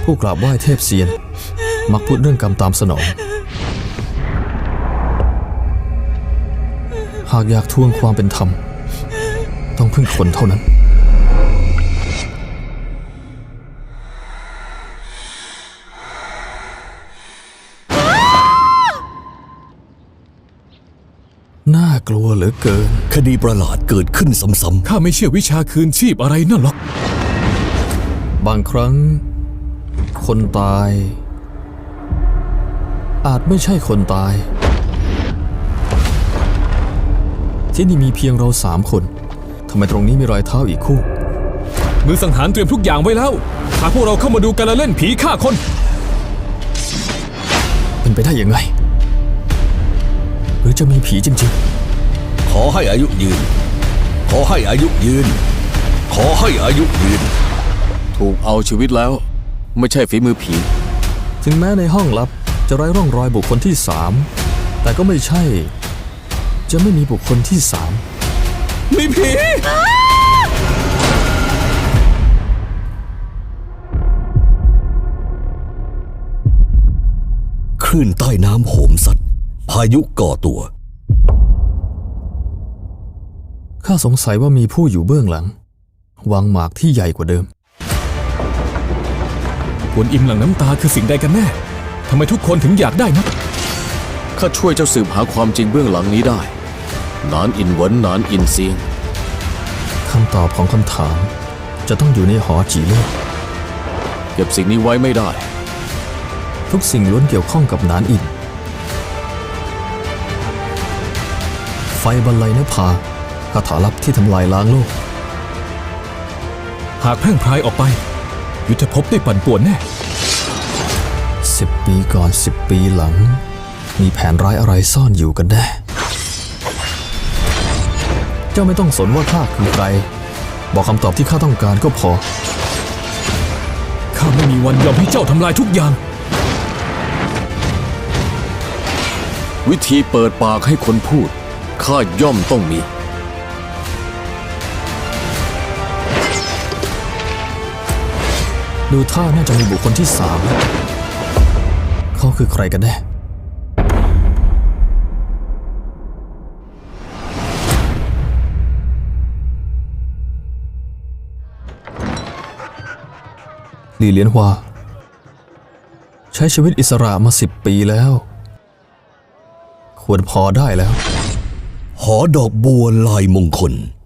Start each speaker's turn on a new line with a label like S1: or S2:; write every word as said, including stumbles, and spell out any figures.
S1: ผู้กราบไหว้เทพเซียนมักพูดเรื่องกรรมตามสนองหากอยากทวงความเป็นธรรมต้องพึ่งคนเท่านั้นน่ากลัวเหลือเกิน
S2: คดีประหลาดเกิดขึ้นซ้ำๆ
S3: ข้าไม่เชื่อวิชาคืนชีพอะไรนั่นหรอก
S1: บางครั้งคนตายอาจไม่ใช่คนตายที่นี่มีเพียงเราสามคนทำไมตรงนี้มีรอยเท้าอีกคู่
S3: มือสังหารเตรียมทุกอย่างไว้แล้วหากพวกเราเข้ามาดูการละเล่นผีฆ่าคน
S1: เป็นไปได้ยังไงหรือจะมีผีจริง
S2: ๆขอให้อายุยืนขอให้อายุยืนขอให้อายุยืน
S4: ถูกเอาชีวิตแล้วไม่ใช่ฝีมือผี
S1: ถึงแม้ในห้องลับจะไร้ร่องรอยบุคคลที่สามแต่ก็ไม่ใช่จะไม่มีบุคคลที่สาม
S3: มีผี
S2: คลื่นใต้น้ำโหมสัตว์พายุก่อตัว
S1: ข้าสงสัยว่ามีผู้อยู่เบื้องหลังวางหมากที่ใหญ่กว่าเดิม
S3: กวนอิมหลังน้ำตาคือสิ่งใดกันแน่ทำไมทุกคนถึงอยากได้นะ
S4: ข้าช่วยเจ้าสืบหาความจริงเบื้องหลังนี้ได้นานอินหวนนานอินเซียง
S1: คำตอบของคำถามจะต้องอยู่ในหอจีเล่
S4: เก็บสิ่งนี้ไว้ไม่ได้
S1: ทุกสิ่งล้วนเกี่ยวข้องกับนานอินไฟบรรลัยนภาคาถาลับที่ทำลายล้างโลก
S3: หากแพร่งพรายออกไปยุทธภพได้ปั่นป่วนแน่
S1: สิบปีก่อนสิบปีหลังมีแผนร้ายอะไรซ่อนอยู่กันแน่เจ้าไม่ต้องสนว่าข้าคือใครบอกคำตอบที่ข้าต้องการก็พอ
S3: ข้าไม่มีวันยอมให้เจ้าทำลายทุกอย่าง
S4: วิธีเปิดปากให้คนพูดข้าย่อมต้องมี
S1: ดูท่าน่าจะมีบุคคลที่สามเขาคือใครกันแน่หลี่เหลียนฮวาใช้ชีวิตอิสระมาสิบปีแล้วควรพอได้แล้ว
S2: หอดอกบัวลายมงคล